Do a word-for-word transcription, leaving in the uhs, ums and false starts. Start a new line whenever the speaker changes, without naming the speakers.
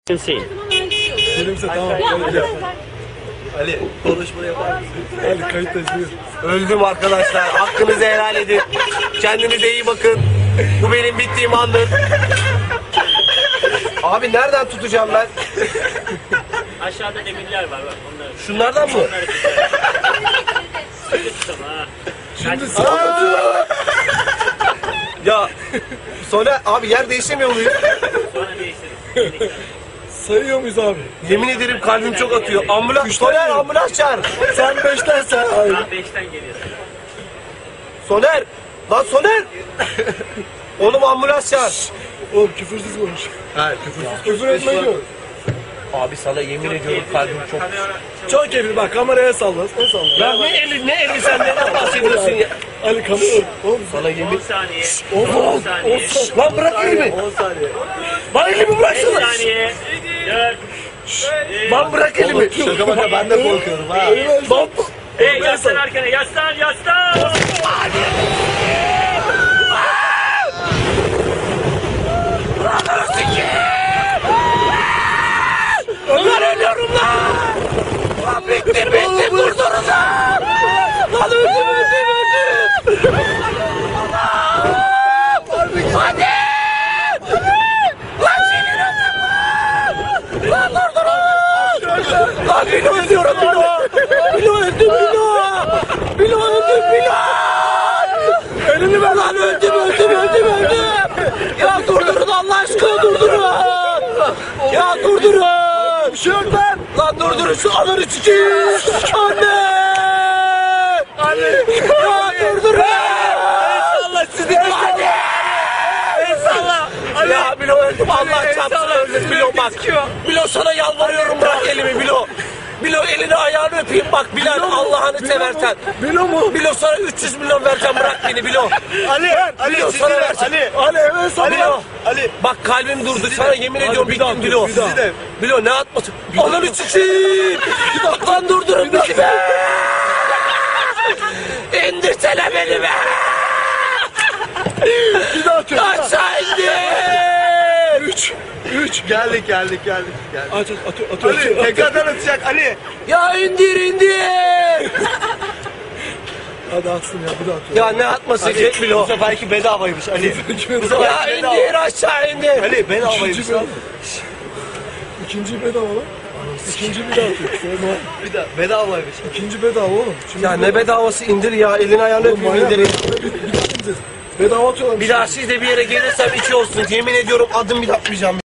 Hüseyin.
Benimse tamam. Öyle.
Ali konuşma yapar mısın?
Ali kayıttayız buyur.
Öldüm arkadaşlar. Hakkınızı helal edin. Kendinize iyi bakın. Bu benim bittiğim andır. Abi nereden tutacağım ben?
Aşağıda demirler var bak onları.
Şunlardan mı?
Onları tutalım ha.
Şimdi
Aa! Ya sonra abi yer değişemiyor muyuz?
Sonra değiştiririz.
sayıyor muyuz abi?
Yemin ederim kalbim çok atıyor. Ambulans, Soner ambulans çağır.
Sen beşten sen abi.
Tam beşten geliyorsun.
Soner. Lan Soner. Oğlum ambulans çağır.
Oğlum küfürsüz konuş.
Ha küfürsüz.
Küfür etme yok.
Abi sana yemin ediyorum kalbim çok.
Çok keyifli bak kameraya salla. Ne salla?
Ya ne eli ne eli sen neden bahsediyorsun ya?
Ali kamera. Oğlum
Sana
on
yemin.
saniye.
on
on
on
saniye.
Lan bırak elimi.
on saniye.
Lan elimi
beş
bıraksana.
saniye. dört.
Lan bırak elimi.
Şaka baka ben de korkuyorum ha.
Lan.
Hey yaslan arkana yaslan yaslan.
Lan ölüyorum lan. Lan bitti bitti vurdurun lan. Lan öldüm öldüm öldüm. Hadi. Lan senin öldüm lan. Lan durdurun. Lan Bilo ölüyorum Bilo. Bilo öldüm Bilo. Bilo öldüm Bilo. Elini ver lan öldüm öldüm öldüm öldüm. Ya durdurun Allah aşkına durdurun. Ya durdurun. Bir şey yok lan. Lan durdurun şu ananı sikeyim. Anne. Anne. Ya durdurun. Allah sizi. Anne. Eyvallah. Ya Bilo öldüm Allah çarpsın öldüm Bilo bak. Bilo sana yalvarıyorum bırak elimi Bilo. Bilo elini ayağını öpeyim bak Bilal Allah'ını seversen.
Bilo mu?
Bilo sana üç yüz milyon vereceğim bırak beni Bilo.
Ali. Ali
Bilo sana vereceğim.
Ali. Ali evet sana.
Bilo. Ali. Bak kalbim durdu sana yemin ediyorum
bir daha
bittim
dur,
Bilo.
bir daha.
Bilo ne atmasın? Ananı sikeyim. Lan durdurun bizi be. İndirsene beni be.
Bir daha atıyor.
Aşağı indir.
Üç. Üç.
Geldik geldik geldik. geldik.
Aç aç atıyor atıyor. atıyor, atıyor.
Tekrardan atacak Ali. Ya indir indir.
Hadi atsın ya bir daha atıyor.
Ya ne atması Jet Bilo? Bu seferki bedavaymış Ali. Ya indir aşağı indir. Ali bedavaymış
İkinci
lan.
bedava. İkinci bedava lan. İkinci bir daha atıyor. Sonra
Bir daha bedavaymış.
ikinci bedava oğlum. Şimdi
Ya ne bedavası indir ya elini ayağını öpeyim
manyak.
indirin.
Bir, bir daha ineceğiz. Bedava atıyorlar.
Bir daha siz de bir yere gelirsem içi olsun. Yemin ediyorum adım bile atmayacağım.